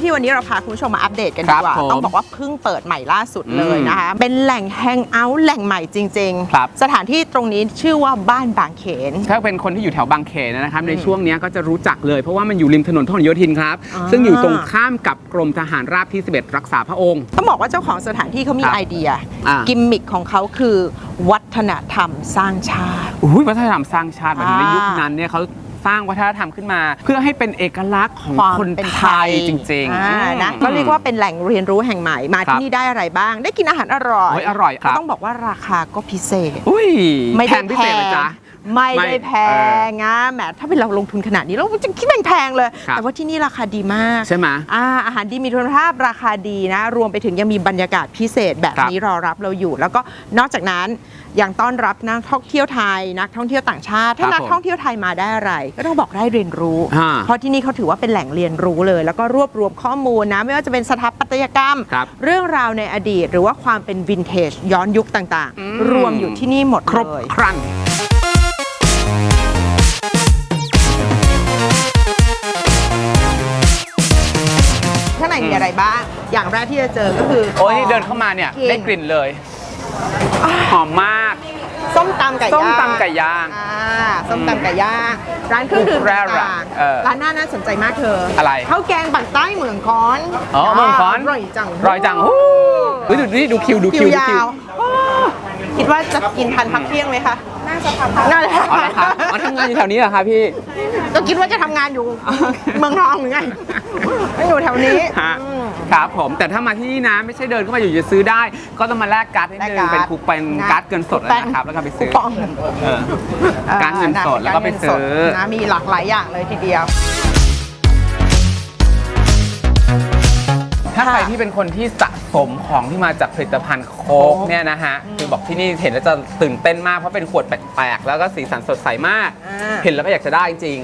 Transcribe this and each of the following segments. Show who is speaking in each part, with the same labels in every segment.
Speaker 1: ที่วันนี้เราพาคุณผู้ชมมาอัปเดตกันดีกว่าต้องบอกว่าเพิ่งเปิดใหม่ล่าสุดเลยนะคะเป็นแหล่งแฮงเอาท์แหล่งใหม่จริงๆสถานที่ตรงนี้ชื่อว่าบ้านบางเขน
Speaker 2: ถ้าเป็นคนที่อยู่แถวบางเขนนะครับในช่วงนี้ก็จะรู้จักเลยเพราะว่ามันอยู่ริมถนนพหลโยธินครับซึ่งอยู่ตรงข้ามกับกรมทหารราบที่11รักษาพระองค์
Speaker 1: ต้องบอกว่าเจ้าของสถานที่เขามีไอเดียกิมมิคของเขาคือวัฒนธรรมสร้างชาติ
Speaker 2: วัฒนธรรมสร้างชาติแบบในยุคนั้นเนี่ยเขาสร้างวัฒนธรรมขึ้นมาเพื่อให้เป็นเอกลักษณ์ของคนไทยจริง
Speaker 1: ๆนะก็เรียกว่าเป็นแหล่งเรียนรู้แห่งใหม่มาที่นี่ได้อะไรบ้างได้กินอาหารอร่อย
Speaker 2: ครับ
Speaker 1: ต้องบอกว่าราคาก็พิเศษ
Speaker 2: ไม่แพงพิเศษเลยจ้ะ
Speaker 1: ไม่ได้แพงนะแหมถ้าเป็นเราลงทุนขนาดนี้เราจะคิดแพงเลยแต่ว่าที่นี่ราคาดีมาก
Speaker 2: ใช่ไหม
Speaker 1: อาหารดีมีคุณภาพราคาดีนะรวมไปถึงยังมีบรรยากาศพิเศษแบบนี้รอรับเราอยู่แล้วก็นอกจากนั้นยังต้อนรับนักท่องเที่ยวไทยนักท่องเที่ยวต่างชาติถ้านักท่องเที่ยวไทยมาได้อะไรก็ต้องบอกได้เรียนรู้เพราะที่นี่เขาถือว่าเป็นแหล่งเรียนรู้เลยแล้วก็รวบรวมข้อมูลนะไม่ว่าจะเป็นสถาปัตยกรรมเรื่องราวในอดีตหรือว่าความเป็นวินเทจย้อนยุคต่างๆรวมอยู่ที่นี่หมดเลย
Speaker 2: ครบครัน
Speaker 1: ข้างในมีอะไรบ้างอย่างแรกที่จะเจอก็คือ
Speaker 2: โอ้ยเดินเข้ามาเนี่ยได้กลิ่นเลยหอมมาก
Speaker 1: ส้มตำไก่ย่าง
Speaker 2: ส้มตำไก่ย่าง
Speaker 1: ร้านเครื่องดื่มต่างๆร้านน่าสนใจมากเธอ
Speaker 2: อะไร
Speaker 1: ข้าวแกงปักใต้เมืองคอน
Speaker 2: เมืองคอน
Speaker 1: อร่อยจัง
Speaker 2: ดูคิวย
Speaker 1: าวคิดว่าจะกินทันพักเที่ยงไหมคะน่าจะทำ
Speaker 2: น่าจะทำงานอยู่แถวนี้เหรอคะพี่
Speaker 1: ก็คิดว่าจะทำงานอยู่เมืองทองหรือไงไม่อยู่แถวนี้
Speaker 2: ครับผมแต่ถ้ามาที่นี่นะไม่ใช่เดินเข้ามาอยู่จะซื้อได้ก็ต้องมาแลกการ์ดให้นึงเป็นคูปองการ์ดเงินสดนะครับแล้วก็ไปซื้อการ์ดเงินสดแล้วก็ไปซื้อ
Speaker 1: นะมีหลากหลายอย่างเลยทีเดียว
Speaker 2: ถ้าใครที่เป็นคนที่สะสมของที่มาจากผลิตภัณฑ์โค้กเนี่ยนะฮะคือบอกที่นี่เห็นแล้วจะตื่นเต้นมากเพราะเป็นขวดแปลกๆแล้วก็สีสันสดใสมากเห็นแล้วก็อยากจะได้จริง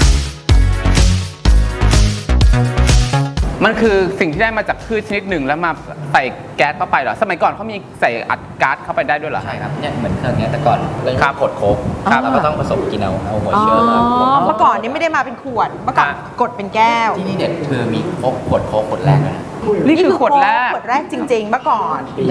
Speaker 2: มันคือสิ่งที่ได้มาจากพืชชนิดหนึ่งแล้วมาใส่แก๊สเข้าไปเหรอสมัยก่อนเขามีใส่อัดก๊าซเข้าไปได้ด้วยเหรอ
Speaker 3: ใช่ครับเนี่ยเหมือนเครื่องนี้แต่ก่อนเรายังกดโค้กเราก็ต้องผสมกินเอาหัวเชื้อมา
Speaker 1: เมื่อก่อนนี่ไม่ได้มาเป็นขวดเมื่อก่อนกดเป็นแก้ว
Speaker 3: ที่นี่เด็ดคือมีโค้กขวดแรกนะ
Speaker 1: นี่คือขวดแรกจริงๆเมื่อก่อน
Speaker 3: ปี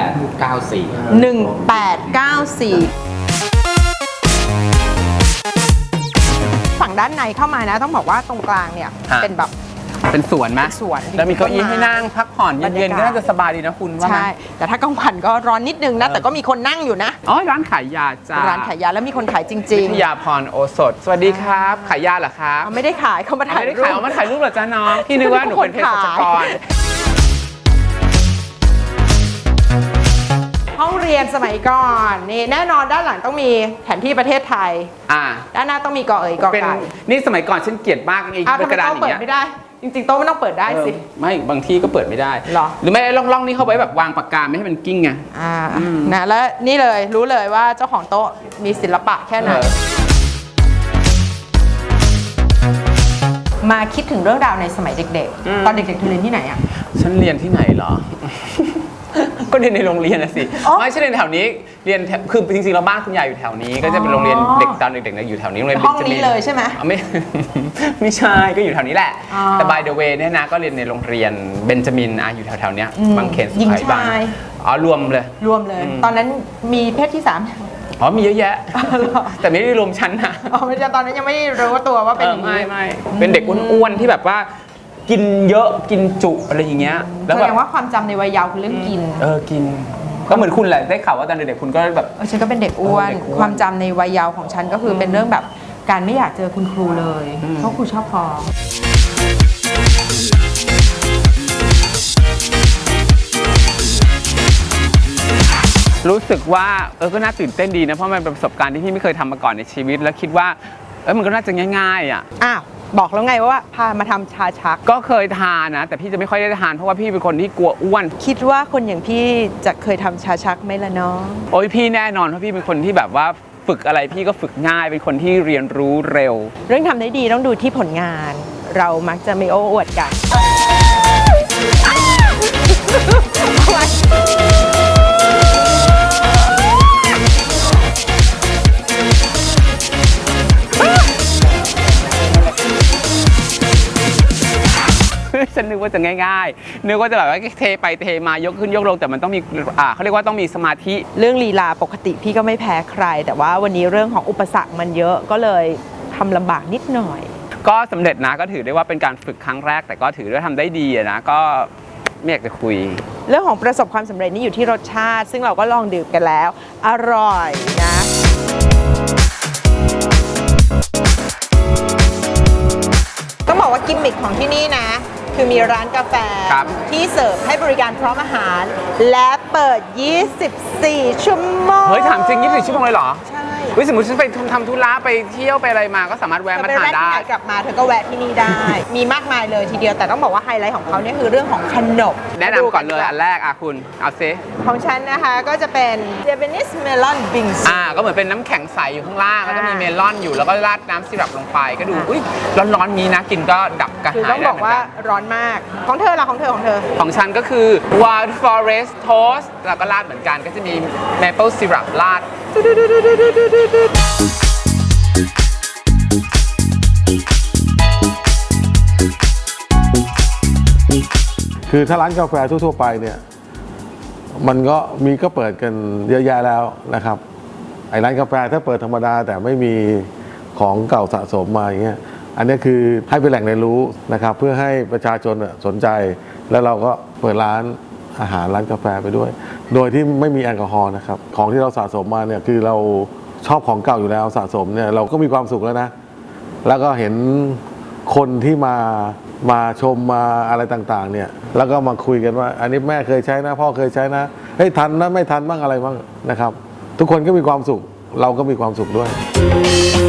Speaker 1: 1894ฝั่งด้านในเข้ามานะต้องบอกว่าตรงกลางเนี่ยเป็นแบบ
Speaker 2: เป็นสวนไหมแล้วมีเก้าอี้ให้นั่งพักผ่อนเย็นๆก็น่าจะสบายดีนะคุณว่า
Speaker 1: ใช่แต่ถ้ากลางวันก็ร้อนนิดนึงนะแต่ก็มีคนนั่งอยู่นะ
Speaker 2: ร้านขายยาจ้า
Speaker 1: ร้านขายยาแล้วมีคนขายจริง
Speaker 2: ๆวิทยาพรโอสถสวัสดีครับขายยาเหรอครับ
Speaker 1: ไม่ได้ขายเขามาถ่ายรูป
Speaker 2: เอามาถ่ายรูปเหรอจ้าน้องพี่นึกว่าหนูเป็นเภสัชกร
Speaker 1: ห้องเรียนสมัยก่อนนี่แน่นอนด้านหลังต้องมีแผนที่ประเทศไทยด้านหน้าต้องมีกอเอ๋ยกอไก่
Speaker 2: นี่สมัยก่อนฉันเกลียดมากไอ้กระดาษอย่างเงี้ย
Speaker 1: ไม่ได้จริงๆโต๊ะไม่ต้องเปิดได้สิ
Speaker 2: ไม่บางที่ก็เปิดไม่ได้หรือไม่ล่องนี่เข้าไว้แบบวางปากกาไม่ให้มันกิ้งไง
Speaker 1: นะแล้วนี่เลยรู้เลยว่าเจ้าของโต๊ะมีศิลปะแค่ไหนมาคิดถึงเรื่องราวในสมัยเด็กๆตอนเด็กๆเธอเรียนที่ไหนอ่ะ
Speaker 2: ฉันเรียนที่ไหนเหรอก็เรียนในโรงเรียนนะสิไม่ใช่เรียนแถวนี้เรียนคือจริงๆเราบ้านคุณยายอยู่แถวนี้ก็จะเป็นโรงเรียนเด็กตอนเด็กๆอยู่แถวนี้โรงเรียน
Speaker 1: ห้องนี้เลยใช่ไหม
Speaker 2: ไม่ใช่ก็อยู่แถวนี้แหละแต่ by the way เนี่ยนะก็เรียนในโรงเรียนเบนจามินอยู่แถวๆเนี้ยบางเขนสุขายบางรวมเลย
Speaker 1: ตอนนั้นมีเพศที่3
Speaker 2: มีเยอะแยะแต่ไม่ได้รวมชั้นนะ
Speaker 1: ไม่ใช่ตอนนั้นยังไม่รู้ตัวว่าเป็น
Speaker 2: ไม่เป็นเด็กอ้วนๆที่แบบว่ากินเยอะกินจุอะไรอย่างเงี้ย
Speaker 1: แสดงว่าความจำในวัยเยาว์คือเรื่องกิน
Speaker 2: กินก็เหมือนคุณแหละได้ข่าวว่าตอนเด็กๆคุณก็แบบ
Speaker 1: ฉันก็เป็นเด็กอ้วนความจำในวัยเยาว์ของฉันก็คือเป็นเรื่องแบบการไม่อยากเจอคุณครูเลยเพราะครูชอบฟ้อง
Speaker 2: รู้สึกว่าก็น่าตื่นเต้นดีนะเพราะมันเป็นประสบการณ์ที่พี่ไม่เคยทำมาก่อนในชีวิตแล้วคิดว่ามันก็น่าจะง่ายๆ
Speaker 1: บอกแล้วไงว่าพามาทำชาชัก
Speaker 2: ก็เคยทานนะแต่พี่จะไม่ค่อยได้ทานเพราะว่าพี่เป็นคนที่กลัวอ้วน
Speaker 1: คิดว่าคนอย่างพี่จะเคยทำชาชักไหมล่ะน้อง
Speaker 2: โอ้ยพี่แน่นอนเพราะพี่เป็นคนที่แบบว่าฝึกอะไรพี่ก็ฝึกง่ายเป็นคนที่เรียนรู้เร็ว
Speaker 1: เรื่องทำได้ดีต้องดูที่ผลงานเรามักจะไม่โอ้อวดกัน
Speaker 2: ฉันนึกว่าจะง่ายๆนึกว่าจะแบบว่าเทไปเทมายกขึ้นยกลงแต่มันต้องมีเขาเรียกว่าต้องมีสมาธิ
Speaker 1: เรื่องลีลาปกติพี่ก็ไม่แพ้ใคร แต่ว่าวันนี้เรื่องของอุปสรรคมันเยอะก็เลยทำลำบากนิดหน่อย
Speaker 2: ก็สำเร็จนะก็ถือได้ว่าเป็นการฝึกครั้งแรกแต่ก็ถือว่าทำได้ดีอะนะก็ไม่อยากจะคุย
Speaker 1: เรื่องของประสบความสำเร็จนี่อยู่ที่รสชาติ ซึ่งเราก็ลองดื่มกันแล้ว อร่อยนะ ต้องบอกว่ากิมมิคของที่นี่นะ คือมีร้านกาแฟ
Speaker 2: ครับ
Speaker 1: ที่เสิร์ฟให้บริการพร้อมอาหาร และเปิด 24 ชั่วโมง
Speaker 2: เฮ้ยถามจริง24 ชั่วโมงเลยเหรอ
Speaker 1: ใช่
Speaker 2: เฮ้ยสมมติฉันไปทำธุระไปเที่ยวไปอะไรมาก็สามารถแวะ
Speaker 1: เธอ
Speaker 2: มา
Speaker 1: ไป
Speaker 2: ทาน
Speaker 1: แวะที่
Speaker 2: ได้
Speaker 1: ไหนกลับมาเธอก็แวะที่นี่ได้ มีมากมายเลยทีเดียวแต่ต้องบอกว่าไฮไลท์ของเขาเนี่ยคือเรื่องของขนม
Speaker 2: แนะนำก่อนเลยอันแรกคุณเอาซิ
Speaker 1: ของฉันนะคะก็จะเป็น Japanese Melon Bingsu
Speaker 2: ก็เหมือนเป็นน้ำแข็งใสอยู่ข้างล่างแล้วก็มีเมลอนอยู่แล้วก็ราดน้ำซิรัปลงไปก็ดูอุ้ยร้อนๆนี้นะกินก็ดับกระ
Speaker 1: คือ
Speaker 2: หาย
Speaker 1: ต้อง
Speaker 2: ได้
Speaker 1: บอก
Speaker 2: เหมือน
Speaker 1: ว่า
Speaker 2: กัน
Speaker 1: ร้อนมาก ของเธอล่ะของเธอ
Speaker 2: ของฉันก็คือ Wild Forest Toast แล้วก็ราดเหมือนกันก็จะมี Maple Syrup ราด
Speaker 4: คือถ้าร้านกาแฟทั่วๆไปเนี่ยมันก็เปิดกันเยอะแยะแล้วนะครับไอ้ร้านกาแฟถ้าเปิดธรรมดาแต่ไม่มีของเก่าสะสมมาอย่างเงี้ยอันนี้คือให้เป็นแหล่งเรียนรู้นะครับเพื่อให้ประชาชนสนใจแล้วเราก็เปิดร้านอาหารร้านกาแฟไปด้วย โดยที่ไม่มีแอลกอฮอล์นะครับของที่เราสะสมมาเนี่ยคือเราชอบของเก่าอยู่แล้วสะสมเนี่ยเราก็มีความสุขแล้วนะแล้วก็เห็นคนที่มาชมมาอะไรต่างๆเนี่ยแล้วก็มาคุยกันว่าอันนี้แม่เคยใช้นะพ่อเคยใช้นะเฮ้ยทันนะไม่ทันบ้างอะไรบ้างนะครับทุกคนก็มีความสุขเราก็มีความสุขด้วย